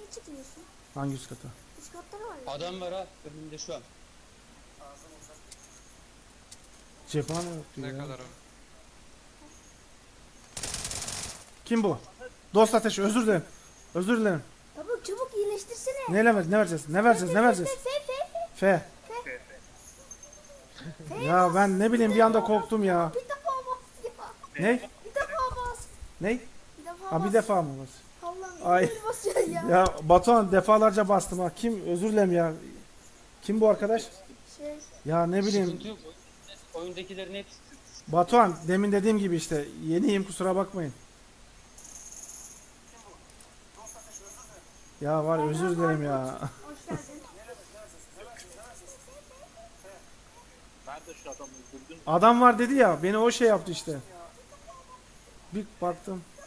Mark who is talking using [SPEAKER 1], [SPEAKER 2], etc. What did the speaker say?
[SPEAKER 1] çıkıyorsun?
[SPEAKER 2] Hangi üst kata?
[SPEAKER 1] Üst katta ne var ya?
[SPEAKER 3] Adam var ha önümde şu an.
[SPEAKER 2] Cephane yok
[SPEAKER 4] Ne
[SPEAKER 2] ya.
[SPEAKER 4] kadar o?
[SPEAKER 2] Kim bu? Dost ateşi, özür dilerim. Özür dilerim.
[SPEAKER 1] Çabuk çabuk iyileştirsene.
[SPEAKER 2] Ne vereceğiz? Ne vereceğiz? Ne vereceğiz? F. Ya ben ne bileyim bir anda korktum ya.
[SPEAKER 1] Bir defa bas ya.
[SPEAKER 2] Ne?
[SPEAKER 1] Bir defa bas.
[SPEAKER 2] Ne?
[SPEAKER 1] Bir defa
[SPEAKER 2] Ha bir
[SPEAKER 1] bas.
[SPEAKER 2] defa mı bas?
[SPEAKER 1] Allah'ım
[SPEAKER 2] Ay.
[SPEAKER 1] böyle basıyorsun ya.
[SPEAKER 2] Ya Batuhan defalarca bastım ha. Kim? Özür dilerim ya. Kim bu arkadaş?
[SPEAKER 1] Şey,
[SPEAKER 2] Ya ne bileyim.
[SPEAKER 3] Sıkıntı yok. Oyundakilerin hepsi.
[SPEAKER 2] Batuhan demin dediğim gibi işte. Yeniyim kusura bakmayın. Ya var özür dilerim ya.
[SPEAKER 1] hoş geldin.
[SPEAKER 5] Nerede şu adamı öldürdün?
[SPEAKER 2] Adam var dedi ya beni o şey yaptı işte. Bir baktım.